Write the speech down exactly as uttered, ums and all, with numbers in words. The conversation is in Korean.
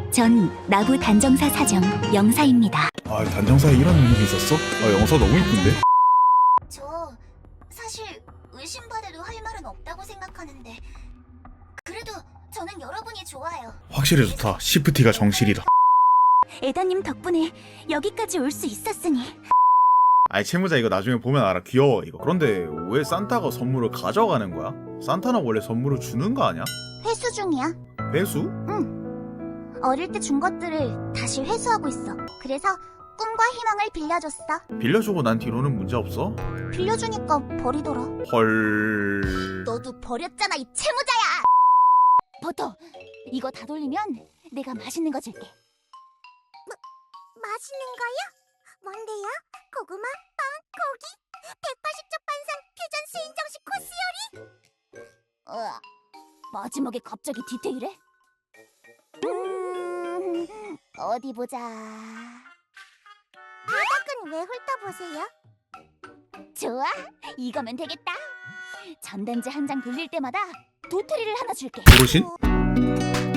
전 나부 단정사 사정 영사입니다. 아, 단정사에 이런 이름이 있었어? 아, 영사 너무 이쁜데? 저 사실 의심받아도 할 말은 없다고 생각하는데 그래도 저는 여러분이 좋아요. 확실히 좋다. 시프티가 정실이다. 에다님 덕분에 여기까지 올 수 있었으니. 아이, 채무자 이거 나중에 보면 알아. 귀여워 이거. 그런데 왜 산타가 선물을 가져가는 거야? 산타는 원래 선물을 주는 거 아니야? 회수 중이야. 배수? 어릴 때 준 것들을 다시 회수하고 있어. 그래서 꿈과 희망을 빌려줬어. 빌려주고 난 뒤로는 문제 없어? 빌려주니까 버리더라. 헐... 너도 버렸잖아, 이 채무자야. 버터, 이거 다 돌리면 내가 맛있는 거 줄게. 맛있는 거요? 뭔데요? 고구마, 빵, 고기, 백팔십 쪽 반상, 퓨전 수인정식 코스 요리? 으아, 마지막에 갑자기 디테일해? 음, 어디 보자. 바닥은 왜 훑어보세요? 좋아, 이거면 되겠다. 전단지 한 장 돌릴 때마다 도토리를 하나 줄게. 고르신?